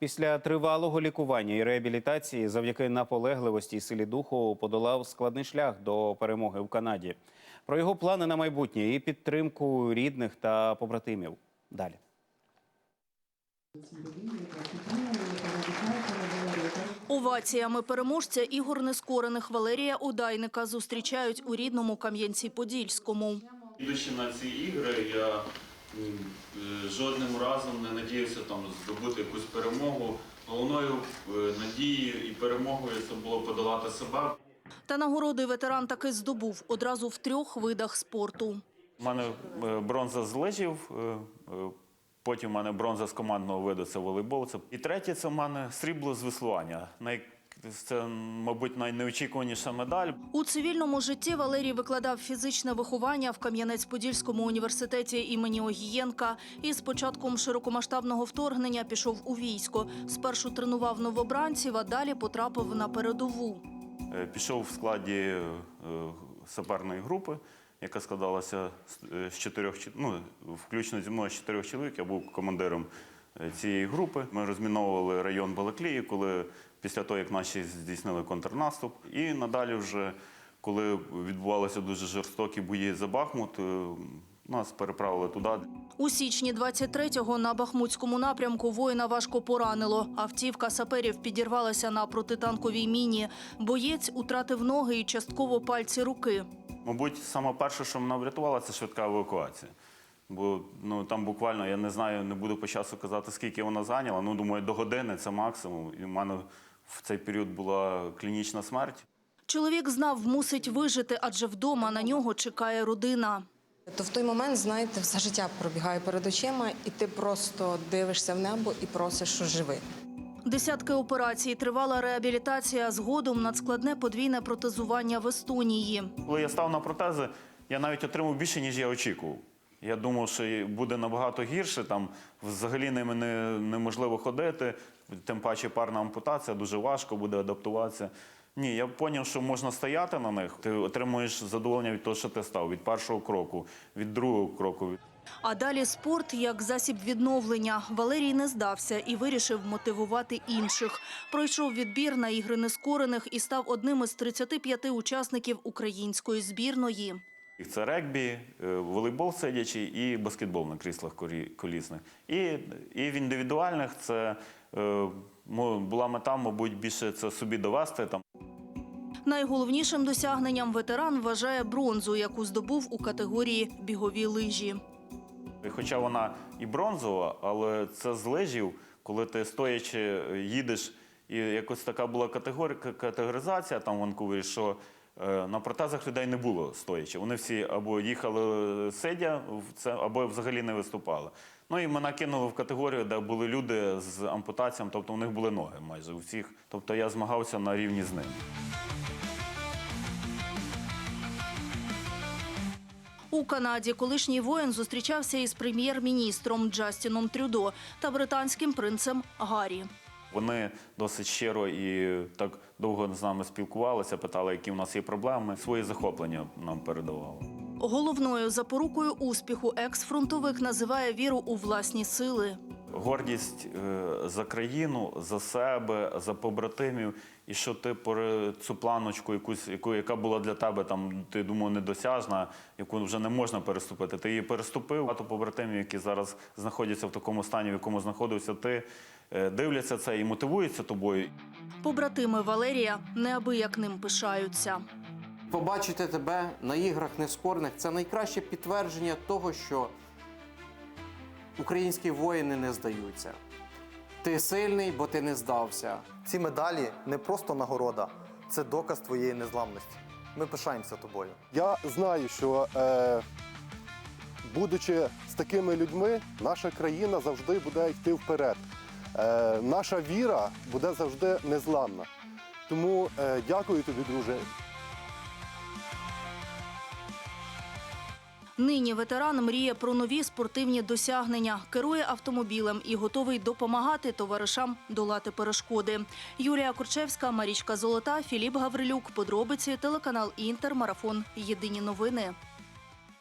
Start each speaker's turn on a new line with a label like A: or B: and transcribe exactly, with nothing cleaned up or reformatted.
A: Після тривалого лікування і реабілітації завдяки наполегливості і силі духу подолав складний шлях до перемоги в Канаді. Про його плани на майбутнє і підтримку рідних та побратимів. Далі.
B: Оваціями переможця ігор нескорених Валерія Удайника зустрічають у рідному Кам'янці-Подільському.
C: Ідучи на ці ігри, я жодним разом не надіявся там здобути якусь перемогу. Головною надією і перемогою це було подолати себе.
B: Та нагороди ветеран таки здобув одразу в трьох видах спорту.
C: У мене бронза з лижів, потім у мене бронза з командного виду – це волейбол. І третє – це в мене срібло з веслування. Це, мабуть, найнеочікуваніша медаль.
B: У цивільному житті Валерій викладав фізичне виховання в Кам'янець-Подільському університеті імені Огієнка і з початком широкомасштабного вторгнення пішов у військо. Спершу тренував новобранців, а далі потрапив на передову.
C: Пішов в складі саперної групи, яка складалася з чотирьох, ну, включно зі мною з чотирьох чоловік. Я був командиром цієї групи. Ми розміновували район Балаклії, коли після того, як наші здійснили контрнаступ. І надалі вже, коли відбувалися дуже жорстокі бої за Бахмут, нас переправили туди.
B: У січні двадцять третього на Бахмутському напрямку воїна важко поранило. Автівка саперів підірвалася на протитанковій міні. Боєць утратив ноги і частково пальці руки.
C: Мабуть, саме перше, що мене врятувало, це швидка евакуація. Бо ну, там буквально, я не знаю, не буду по часу казати, скільки вона зайняла. Ну, думаю, до години – це максимум. І в мене в цей період була клінічна смерть.
B: Чоловік знав, мусить вижити, адже вдома на нього чекає родина.
D: То в той момент, знаєте, все життя пробігає перед очима, і ти просто дивишся в небо і просиш, що живи.
B: Десятки операцій, тривала реабілітація, згодом надскладне подвійне протезування в Естонії.
C: Коли я став на протези, я навіть отримав більше, ніж я очікував. Я думав, що буде набагато гірше, там взагалі ними не, неможливо ходити, тим паче парна ампутація, дуже важко буде адаптуватися. Ні, я зрозумів, що можна стояти на них, ти отримуєш задоволення від того, що ти став, від першого кроку, від другого кроку.
B: А далі спорт як засіб відновлення. Валерій не здався і вирішив мотивувати інших. Пройшов відбір на ігри нескорених і став одним із тридцяти п'яти учасників української збірної.
C: Це регбі, волейбол сидячий і баскетбол на кріслах колісних. І, і в індивідуальних це е, була мета, мабуть, більше це собі довести. Там.
B: Найголовнішим досягненням ветеран вважає бронзу, яку здобув у категорії бігові лижі.
C: Хоча вона і бронзова, але це з лижів, коли ти стоячи їдеш, і якось така була категоризація там в Ванкувері, що на протезах людей не було стоячи. Вони всі або їхали сидя, або взагалі не виступали. Ну і мене кинули в категорію, де були люди з ампутаціями, тобто у них були ноги майже у всіх. Тобто я змагався на рівні з ними.
B: У Канаді колишній воїн зустрічався із прем'єр-міністром Джастіном Трюдо та британським принцем Гаррі.
C: Вони досить щиро і так довго з нами спілкувалися, питали, які у нас є проблеми. Свої захоплення нам передавали.
B: Головною запорукою успіху екс-фронтовик називає віру у власні сили.
C: Гордість за країну, за себе, за побратимів. І що ти цю планочку, якусь, яку, яка була для тебе, там, ти думав, недосяжна, яку вже не можна переступити. Ти її переступив. Багато побратимів, які зараз знаходяться в такому стані, в якому знаходився ти, дивляться це і мотивуються тобою.
B: Побратими Валерія неабияк ним пишаються.
E: Побачити тебе на іграх нескорених – це найкраще підтвердження того, що українські воїни не здаються. Ти сильний, бо ти не здався.
F: Ці медалі не просто нагорода, це доказ твоєї незламності. Ми пишаємося тобою.
G: Я знаю, що е, будучи з такими людьми, наша країна завжди буде йти вперед. Е, наша віра буде завжди незламна. Тому е, дякую тобі, друже.
B: Нині ветеран мріє про нові спортивні досягнення, керує автомобілем і готовий допомагати товаришам долати перешкоди. Юлія Корчевська, Марічка Золота, Філіп Гаврилюк. Подробиці, телеканал Інтер, марафон. Єдині новини.